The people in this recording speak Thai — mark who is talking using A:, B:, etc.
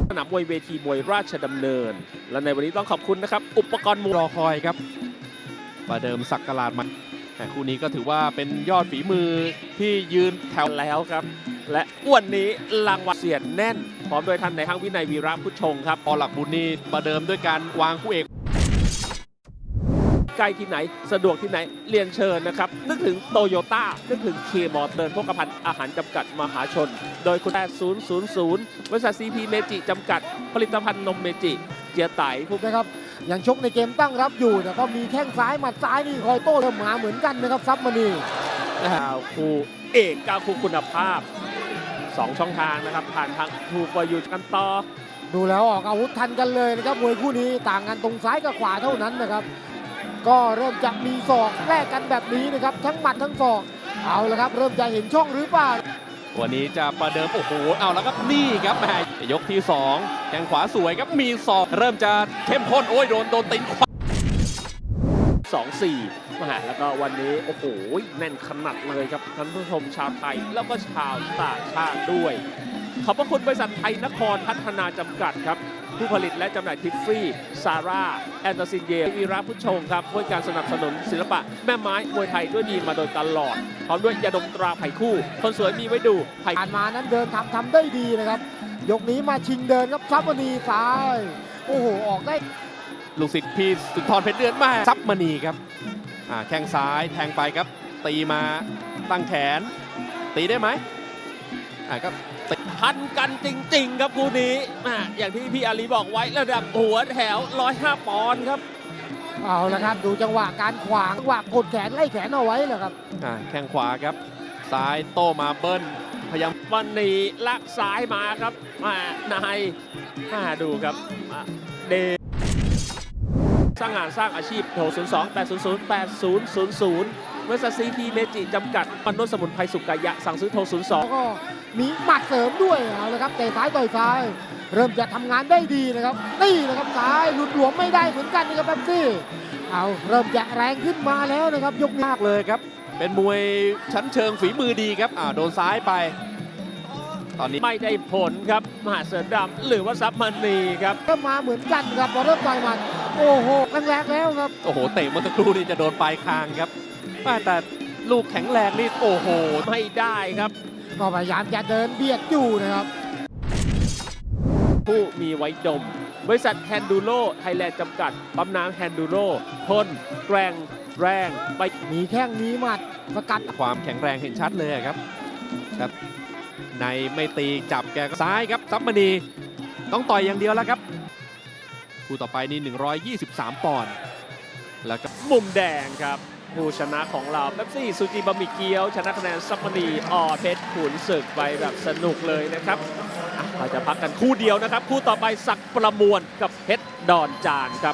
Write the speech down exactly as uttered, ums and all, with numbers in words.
A: สนามมวยเวทีมวยราชดำเนินและในวันนี้ต้องขอบคุณนะครับอุปกรณ์มวย
B: รอคอยครับประเดิมสักกลาดมาแต่คู่นี้ก็ถือว่าเป็นยอดฝีมือที่ยืนแถว
A: แล้วครับและวันนี้รางวัลเสียนแน่นพร้อมโดยท่านในายห้างวินัยวีระพุทธชงครับ
B: พอหลักบุญนี่ประเดิมด้วยการวางคู่เอก
A: ใกล้ที่ไหนสะดวกที่ไหนเรียนเชิญนะครับนึกถึงโตโยต้านึกถึงเคมอเตอร์โภคภัณฑ์อาหารจำกัดมหาชนโดยคุณแปด ศูนย์ ศูนย์ ศูนย์ บริษัทซีพีเมจิจำกัดผลิตภัณฑ์นมเมจิเจียไตผู้
C: นะครับยังชกในเกมตั้งรับอยู่แต่ก็มีแข้งซ้ายหมัดซ้ายนี่คอยโต้เริ่มมาเหมือนกันนะครับซับมณี
A: กาวคู่เอกกาวคู่คุณภาพสองช่องทางนะครับผ่านทางทูกวายูกันต่อ
C: ดูแล้วออกอาวุธทันกันเลยนะครับมวยคู่นี้ต่างกันตรงซ้ายกับขวาเท่านั้นนะครับก็เริ่มจะมีศอกแลกกันแบบนี้นะครับทั้งหมัดทั้งศอกเอาละครับเริ่มจะเห็นช่องหรือเปล่า
B: วันนี้จะประเดิมโอ้โหเอาแล้วครับนี่ครับแหมยกที่สองแข้งขวาสวยครับมีศอกเริ่มจะเข้มข้นโอ้ยโดนโดนตีนขวา
A: สอง สี่มหาแล้วก็วันนี้โอ้โหแน่นขนาดเลยครับท่านผู้ชมชาวไทยแล้วก็ชาวต่างชาติด้วยขอบพระคุณบริษัทไทยนครพัฒนาจำกัดครับผู้ผลิตและจำหน่ายทิฟฟี่ซาร่าแอนโตซินเยวีระพุทธชงครับด้วยการสนับสนุนศิลปะแม่ไม้มวยไทยด้วยดีมาโดยตลอดพร้อมด้วยยาดมตราไผ่คู่คนสวยมีไว้ดูไผ่
C: ผ่านมานั้นเดินทำทำได้ดีนะครับยกนี้มาชิงเดินครับซับมณีซ้ายโอ้โหออกได้
B: ลูกศิษย์พี่สุนทรเพชรเดือนมาซับมณีครับอ่าแข้งซ้ายแทงไปครับตีมาตั้งแขนตีได้ไหมอ่าก็
A: พันกันจริงๆครับคู่นี้อ่ะอย่างที่พี่อาลีบอกไว้ระดับหัวแถวหนึ่งร้อยห้าปอนด์ครับ
C: เอาละครับดูจังหวะการขวางจังหวะกดแขนไล่แขนเอาไว้แหละครับ
B: อ่าแข้งขวาครับซ้ายโต้มาเบิ้ลพยายาม
A: วันนี้ลักซ้ายมาครับมานายมาดูครับอ่ะเดสร้างงานสร้างอาชีพโทร ศูนย์ สอง แปด ศูนย์ ศูนย์ แปด ศูนย์ ศูนย์ ศูนย์ บริษัทซีพีเมจิจำกัดปนวดสมุนไพรสุกายะสั่งซื้อโทร ศูนย์ สอง
C: แล้วก็มีหมัดเสริมด้วยเอาละครับเตะซ้ายต่อยซ้าย เริ่มจะทำงานได้ดีนะครับนี่นะครับซ้ายหลุดหลวมไม่ได้เหมือนกันนะครับแป๊บซี่เอาเริ่มจะแรงขึ้นมาแล้วนะครับยกนี้
B: มากเลยครับเป็นมวยชั้นเชิงฝีมือดีครับอ่าโดนซ้ายไปตอนนี้
A: ไม่ได้ผลครับมหาเสือดำหรือว่าซับมันนีครับ
C: เริ่มมาเหมือนกันครับพอเริ่มต่อยหมัดโอ้โหแรงๆแล้วครับ
B: โอ้โหเตะเมื่อสักครู่นี่จะโดนปลายคางครับแต่ลูกแข็งแรงนี่โอ้โห
A: ไม่ได้ครับ
C: ก็พยายามจะเดินเบียดอยู่นะครับ
A: ผู้มีไว้ดม บริษัทแฮนดูโรไทยแลนด์จำกัดปั๊มน้ำแฮนดูโรทนแกร่งแรงไป
C: มีแข้งมีหมัดสกัด
B: ความแข็งแรงเห็นชัดเลยครับครับในไม่ตีจับแกก็ซ้ายครับซับมณีต้องต่อยอย่างเดียวแล้วครับคู่ต่อไปนี่หนึ่งร้อยยี่สิบสามปอนด์แล้วก็
A: มุมแดงครับผู้ชนะของเราเป๊ปซี่ซูจิบะหมี่เกี๊ยวชนะคะแนนซับมณีอเพชรขุนศึกไปแบบสนุกเลยนะครับอ่ะเราจะพักกันคู่เดียวนะครับ คู่ต่อไปศักดิ์ประมวลกับเพชรดอนจานครับ